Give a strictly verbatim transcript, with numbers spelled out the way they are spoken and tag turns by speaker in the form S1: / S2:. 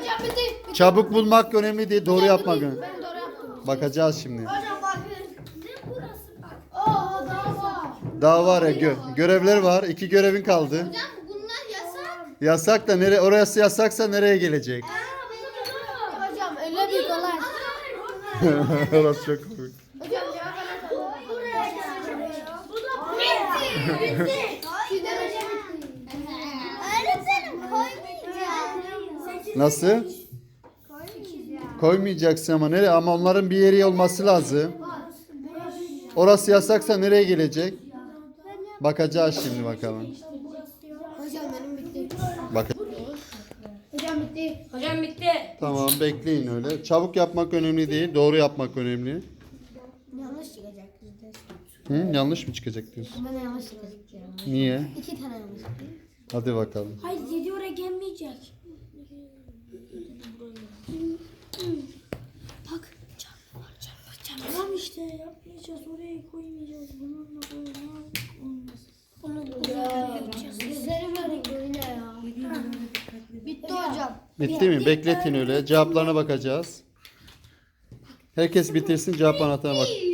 S1: Hocam bitti.
S2: Çabuk bulmak önemli değil, doğru yapmak önemli.
S1: Ben doğru yaptım.
S2: Bakacağız şimdi.
S1: Hocam bakın. Ne burası bak. Aa daha var.
S2: Daha var ya gö- görevler var. İki görevin kaldı.
S1: Hocam bunlar yasak.
S2: Yasak da nereye orası yasaksa nereye gelecek?
S1: Hocam öyle bir kolay.
S2: Orası çok komik.
S1: Hocam cevap anahtarı. Buraya gelmiyor. Bu da bitti. Bitti. Sizden önce bitti. Öğretmenim koymayacağım.
S2: Nasıl? Koymayacaksın ama nereye? Ama onların bir yeri olması lazım. Orası yasaksa nereye gelecek? Bakacağız şimdi bakalım.
S1: Hocam benim bitti.
S2: Bak.
S1: Hocam bitti.
S3: Hocam bitti.
S2: Tamam bekleyin öyle. Çabuk yapmak önemli değil, doğru yapmak önemli.
S1: Yanlış çıkacak bizde.
S2: Hı, yanlış mı çıkacak diyorsun?
S1: Bana yanlış çıkacak ya.
S2: Niye?
S1: İki tane yanlış çıktı.
S2: Hadi bakalım.
S3: Hayır yedi oraya gelmeyecek. Bak çarpı var çarpı çarpı. Tamam işte yapmayacağız oraya koymayacağız. Bununla böyle olmaz.
S1: Bunu ya. Yüzleri böyle böyle ya. Bitti hocam.
S2: Bitti mi? Bekletin öyle. Cevaplarına bakacağız. Herkes bitirsin, cevap anahtarına bak.